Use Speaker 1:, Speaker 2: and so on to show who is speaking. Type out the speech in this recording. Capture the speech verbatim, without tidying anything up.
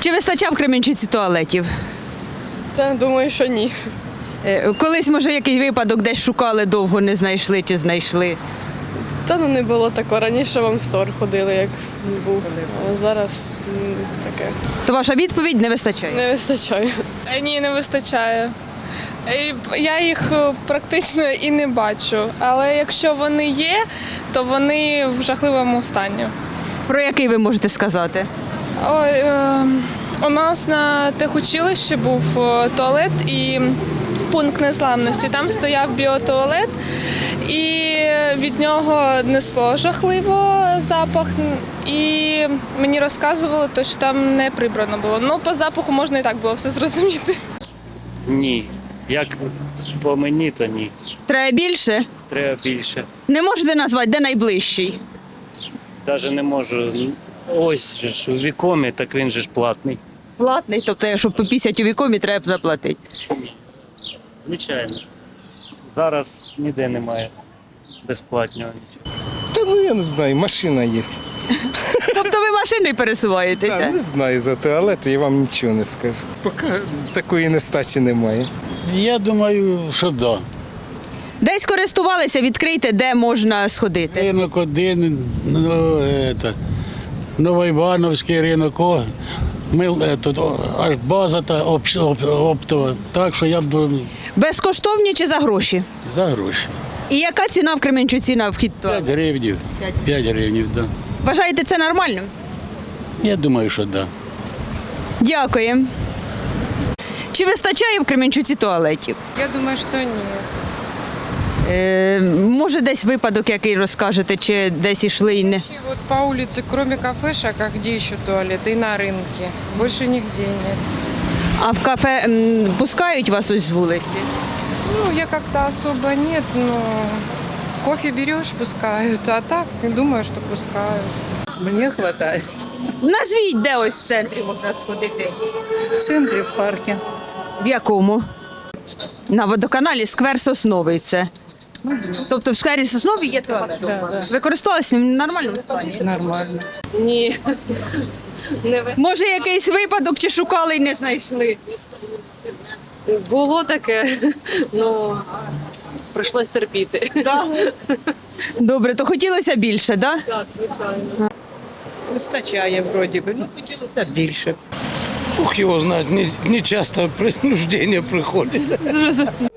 Speaker 1: Чи вистачав в Кременчуці туалетів?
Speaker 2: Та думаю, що ні.
Speaker 1: Е, Колись, може, якийсь випадок десь шукали довго, не знайшли чи знайшли?
Speaker 2: Та ну не було такого. Раніше в Амстор ходили, як був. А зараз м, таке.
Speaker 1: То ваша відповідь не вистачає?
Speaker 2: Не вистачає.
Speaker 3: Е, Ні, не вистачає. І Я їх е, практично і не бачу. Але якщо вони є, то вони в жахливому стані.
Speaker 1: Про який ви можете сказати?
Speaker 3: Ой, е, у нас на техучилищі був е, туалет і пункт незламності. Там стояв біотуалет, і від нього несло жахливо запах. І мені розказували, то, що там не прибрано було. Ну, по запаху можна і так було все зрозуміти.
Speaker 4: Ні. Як по мені, то ні.
Speaker 1: Треба більше?
Speaker 4: Треба більше.
Speaker 1: Не можете назвати, де найближчий?
Speaker 4: Навіть не можу. Ось же ж у вікомі, так він же ж платний.
Speaker 1: Платний, тобто, якщо по п'ятдесят у вікомі, треба заплатити.
Speaker 4: Звичайно. Зараз ніде немає безплатного нічого.
Speaker 5: Та ну я не знаю, машина є.
Speaker 1: Тобто ви машиною
Speaker 5: Та,
Speaker 1: пересуваєтеся?
Speaker 5: не знаю за туалет, я вам нічого не скажу. Поки такої нестачі немає.
Speaker 6: Я думаю, що да.
Speaker 1: Десь користувалися, відкрийте, де можна сходити.
Speaker 6: Ринок один, ну, это, Новоівановський ринок, о, ми, е, тут, о, аж база та об- об- оптова. Так що я б думаю,
Speaker 1: Безкоштовні чи за гроші?
Speaker 6: за гроші.
Speaker 1: І яка ціна в Кременчуці на вхід в
Speaker 6: п'ять
Speaker 1: туалет?
Speaker 6: гривнів. п'ять гривнів, да.
Speaker 1: Вважаєте це нормально?
Speaker 6: Я думаю, що да.
Speaker 1: Дякую. Чи вистачає в Кременчуці туалетів?
Speaker 7: Я думаю, что нет.
Speaker 1: Е, може, десь випадок, який розкажете, чи десь ішли і не.
Speaker 7: И вот по улице, кроме кафешек, а где еще туалеты? И на рынке. Больше нигде нет.
Speaker 1: А в кафе м, пускають вас ось з вулиці?
Speaker 7: Ну, я как-то особо нет, но кофе берешь, пускают. А так, думаю, что пускают.
Speaker 8: Мне хватает.
Speaker 1: Назвіть, де ось в центрі можна сходити.
Speaker 8: В центре, в парке.
Speaker 1: В якому? На водоканалі сквер Сосновий це. Тобто в сквері Сосновий є туалет?
Speaker 8: Да, да.
Speaker 1: Ви користувалися ним в нормальному стані?
Speaker 8: Нормально.
Speaker 3: Ні.
Speaker 1: Може, якийсь випадок чи шукали і не знайшли?
Speaker 8: Було таке, ну прийшлось терпіти.
Speaker 1: Добре, то хотілося більше, так? Да?
Speaker 8: Так, звичайно.
Speaker 9: Вистачає вроді би, ну хотілося більше.
Speaker 6: Ух, його знає, не, не часто принуждення приходить.